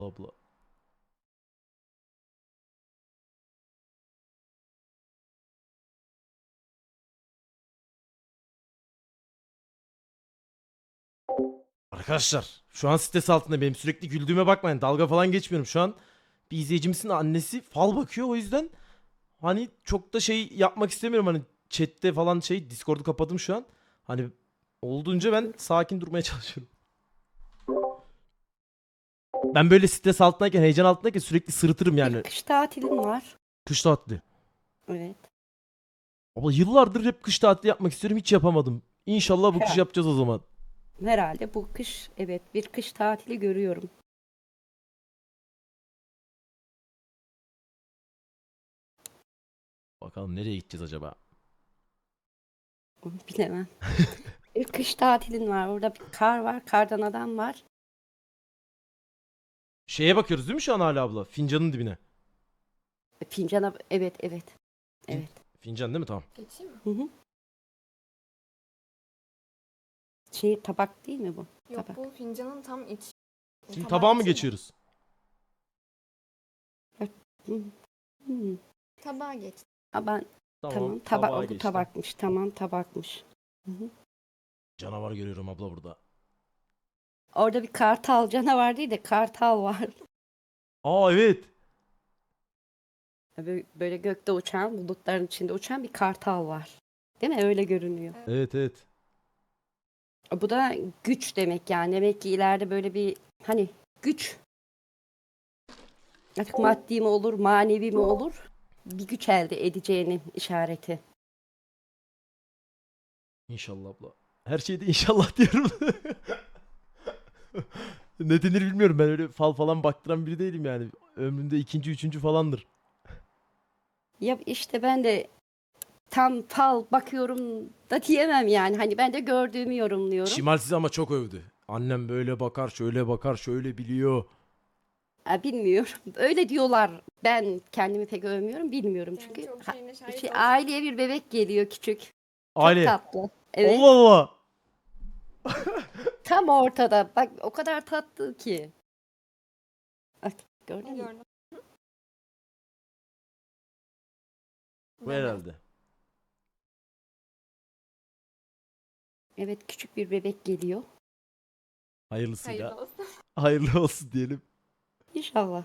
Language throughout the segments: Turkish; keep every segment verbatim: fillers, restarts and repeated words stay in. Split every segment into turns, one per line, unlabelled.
Abla. Arkadaşlar şu an stres altında benim sürekli güldüğüme bakmayın, dalga falan geçmiyorum şu an. Bir izleyicimizin annesi fal bakıyor, o yüzden hani çok da şey yapmak istemiyorum, hani chatte falan şey Discord'u kapadım şu an. Hani olduğunca ben sakin durmaya çalışıyorum. Ben böyle stres altındayken, heyecan altındayken sürekli sırıtırım
Bir
yani.
kış tatilim var.
Kış tatili.
Evet.
Abla yıllardır hep kış tatili yapmak istiyorum, hiç yapamadım. İnşallah bu kış
Herhalde.
yapacağız o zaman.
Herhalde bu kış, evet, bir kış tatili görüyorum.
Bakalım nereye gideceğiz acaba?
Onu bilemem. Bir kış tatilin var. Orada bir kar var. Kardan adam var.
Şeye bakıyoruz değil mi şu an hala abla? Fincanın dibine.
Fincana, evet, evet.
Fin-
Evet.
Fincan değil mi? Tamam.
Geçeyim mi?
Hı hı. Şey, tabak değil mi bu?
Yok,
Tabak.
bu fincanın tam iç.
Şimdi
Tabağa
tabağa mı
geçeyim mi?
geçiyoruz?
Hı hı.
Tabağa geç.
Ha, ben
Tamam.
tamam,
tabağa
tabak, bu
geçtim.
tabakmış. Tamam, tabakmış. Hı hı.
Canavar görüyorum abla burada.
Orada bir kartal canavar değil de kartal var.
Aa evet.
Böyle, böyle gökte uçan, bulutların içinde uçan bir kartal var. Değil mi? Öyle görünüyor.
Evet evet.
Bu da güç demek yani. Demek ki ileride böyle bir hani güç, artık maddi mi olur, manevi mi olur, bir güç elde edeceğinin işareti.
İnşallah abla. Her şeyde inşallah diyorum. Ne denir bilmiyorum, ben öyle fal falan baktıran biri değilim yani. Ömrümde ikinci, üçüncü falandır.
Ya işte ben de tam fal bakıyorum da diyemem yani. Hani ben de gördüğümü yorumluyorum.
Şimal sizi ama çok övdü. Annem böyle bakar, şöyle bakar, şöyle biliyor.
Ha, bilmiyorum. Öyle diyorlar. Ben kendimi pek övmüyorum, bilmiyorum
Yani
çünkü
çok
ha-
şeyine şahit
şey,
oldum.
aileye bir bebek geliyor küçük. Çok
Aile.
tatlı.
Allah
Evet.
Allah.
Tam ortada. Bak o kadar tatlı ki. Bak, gördün mü?
Gördüm.
Bu
Bebek.
herhalde.
Evet, küçük bir bebek geliyor.
Hayırlısıyla.
Hayırlı olsun.
Hayırlı olsun diyelim.
İnşallah.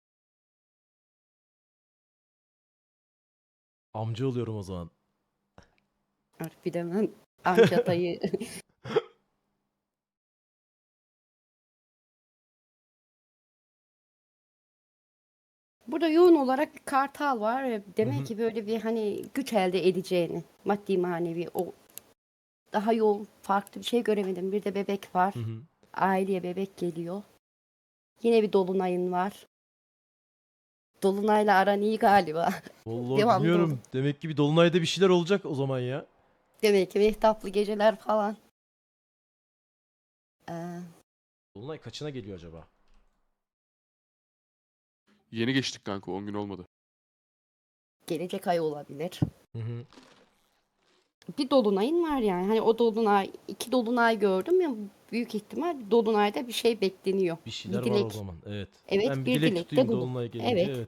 Amca oluyorum o zaman.
Artık bilemem. Amca dayı. Burada yoğun olarak bir kartal var.
Hı
Demek
hı.
ki böyle bir hani güç elde edeceğini, maddi manevi, o daha yoğun farklı bir şey göremedim. Bir de bebek var.
Hı hı.
Aileye bebek geliyor. Yine bir dolunayın var. Dolunayla aran iyi galiba.
Vallahi
Devamlı dolu.
bilmiyorum. Demek ki bir dolunayda bir şeyler olacak o zaman ya.
Demek ki mehtaplı geceler falan. Ee,
Dolunay kaçına geliyor acaba?
Yeni geçtik kanka, on gün olmadı.
gelecek ay olabilir.
Hı hı.
Bir dolunayın var yani. Hani o dolunay, iki dolunay gördüm ya, büyük ihtimal bir dolunayda bir şey bekleniyor.
Bir şeyler
Bir
var o
dilek.
zaman. Evet. Ben
Evet,
bir
bir
dilek
dilek de
tutayım
bulun.
dolunay gelince.
Evet.
Evet.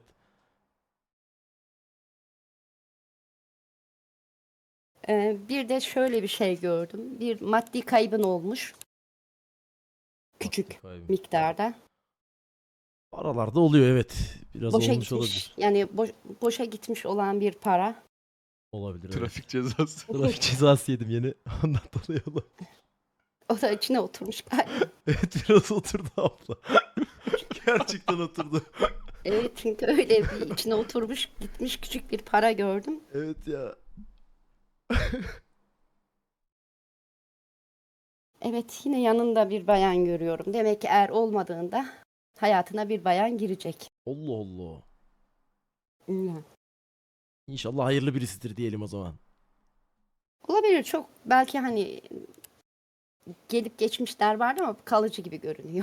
Ee, bir de şöyle bir şey gördüm. Bir maddi kaybın olmuş.
Maddi
Küçük
kaybım.
miktarda.
Aralarda oluyor evet. Biraz
Boşa
olmuş
gitmiş.
olabilir.
Yani boş- boşa gitmiş olan bir para.
Olabilir evet.
Trafik cezası.
Trafik cezası yedim yeni. Ondan dolayı olabilir.
O da içine oturmuş galiba.
Evet biraz oturdu abla. Gerçekten oturdu.
Evet, çünkü öyle bir içine oturmuş gitmiş küçük bir para gördüm.
Evet ya.
Evet, yine yanında bir bayan görüyorum. Demek ki er olmadığında hayatına bir bayan girecek.
Allah Allah.
Hmm.
İnşallah hayırlı birisidir diyelim o zaman.
Olabilir, çok belki hani gelip geçmişler vardı ama kalıcı gibi görünüyor.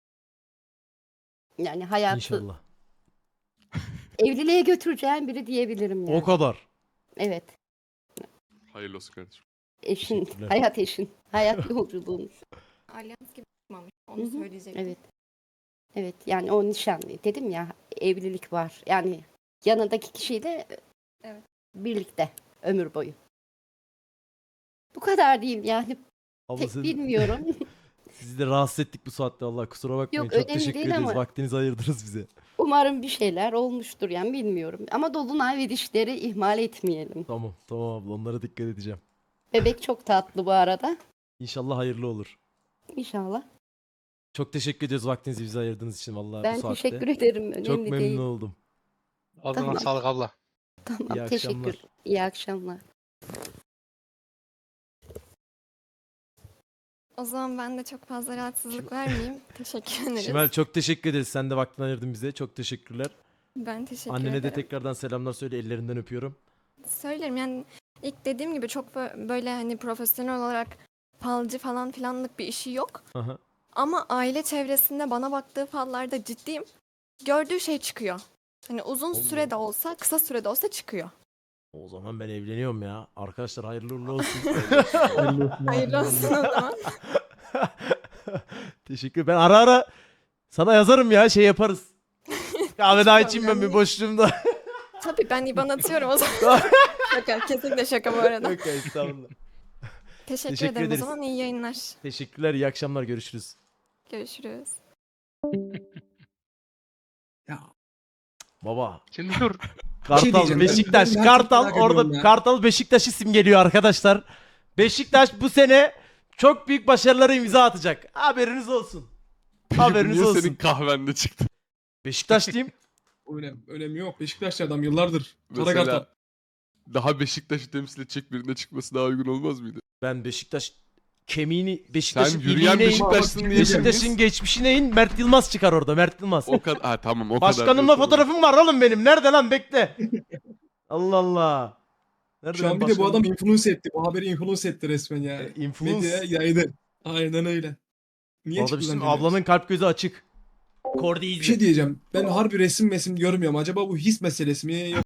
Yani hayatı
İnşallah.
evliliğe götüreceğin biri diyebilirim
O
yani.
kadar.
Evet,
Hayırlı olsun kardeşim.
eşin,
Teşekkürler.
hayat eşin, hayat yolculuğun.
Alyans gibi çıkmamış.
Hı
Onu
hı,
söyleyecektim.
evet. Evet yani o nişanlı. Dedim ya evlilik var. Yani yanındaki kişiyle
Evet.
birlikte ömür boyu. Bu kadar diyeyim yani.
Abla
Pek
sen-
bilmiyorum.
sizi de rahatsız ettik bu saatte Allah kusura bakmayın.
Yok,
Çok
önemli
teşekkür
değil
ederiz.
ama-
Vaktinizi ayırdınız bize.
Umarım bir şeyler olmuştur yani bilmiyorum. Ama dolunay ve dişleri ihmal etmeyelim.
Tamam tamam abla onlara dikkat edeceğim.
Bebek çok tatlı bu arada.
İnşallah hayırlı olur.
İnşallah.
Çok teşekkür ediyoruz vaktinizi bize ayırdığınız için vallahi bu
Ben
saatte.
teşekkür ederim. Önemli
Çok memnun
değil.
oldum.
Ağzına
Tamam.
sağlık abla.
Tamam
İyi
teşekkür.
akşamlar.
İyi akşamlar.
O zaman ben de çok fazla rahatsızlık vermeyeyim. Teşekkür ederiz.
Şimal çok teşekkür ederiz. Sen de vaktini ayırdın bize. Çok teşekkürler.
Ben teşekkür
Annene de
ederim.
tekrardan selamlar söyle. Ellerinden öpüyorum.
Söylerim yani ilk dediğim gibi çok bö- böyle hani profesyonel olarak falcı falan filanlık bir işi yok.
Aha.
Ama aile çevresinde bana baktığı fallarda ciddiyim. Gördüğü şey çıkıyor. Hani uzun
Allah.
sürede olsa, kısa sürede olsa çıkıyor.
O zaman ben evleniyorum ya. Arkadaşlar hayırlı uğurlu olsun.
Hayırlı olsun o zaman.
Teşekkür. Ben ara ara sana yazarım ya şey yaparız. Kahve daha içeyim ben
problem
bir
değil.
boşluğumda.
Tabii ben İban atıyorum o zaman. Şaka, kesinlikle şaka bu arada.
Yok ya estağfurullah.
Teşekkür,
Teşekkür
ederim
ederiz.
o zaman. İyi yayınlar.
Teşekkürler. İyi akşamlar. Görüşürüz.
Görüşürüz.
Ya,
Baba.
Şimdi dur.
Kartal,
diyeceğim, ben-
Beşiktaş,
ben
Kartal
merak ediyorum
orada
ya.
Kartal Beşiktaş'ı simgeliyor arkadaşlar. Beşiktaş bu sene çok büyük başarılara imza atacak. Haberiniz olsun.
Peki bu
Haberiniz
niye
olsun.
senin kahvende çıktı?
Beşiktaş diyeyim.
öyle, önemi yok. Beşiktaşlı adam yıllardır. Kara
Mesela
Kartal.
daha Beşiktaş'ı temsil edecek birine çıkması daha uygun olmaz mıydı?
Ben Beşiktaş kemiğini Beşiktaş'ın
Sen yürüyen
iliğine in.
Beşiktaşlısın diye
Beşiktaş'ın geçmişine in. Mert Yılmaz çıkar orada. Mert Yılmaz.
O kadar. Ha tamam o kadar.
Başkanımla
diyorsun.
fotoğrafım var oğlum benim. Nerede lan bekle. Allah Allah. Nerede
Şu an
benim
bir de bu
başkanım?
adam influence etti. Bu haberi influence etti resmen ya.
E, influence.
Medyaya yaydı. Aynen öyle. Niye
Orada
çıktı
bizim
lan gene?
ablanın kalp gözü açık. Kordi
Bir şey diyeceğim. Ben harbi resim mesim görmüyorum. Acaba bu his meselesi mi?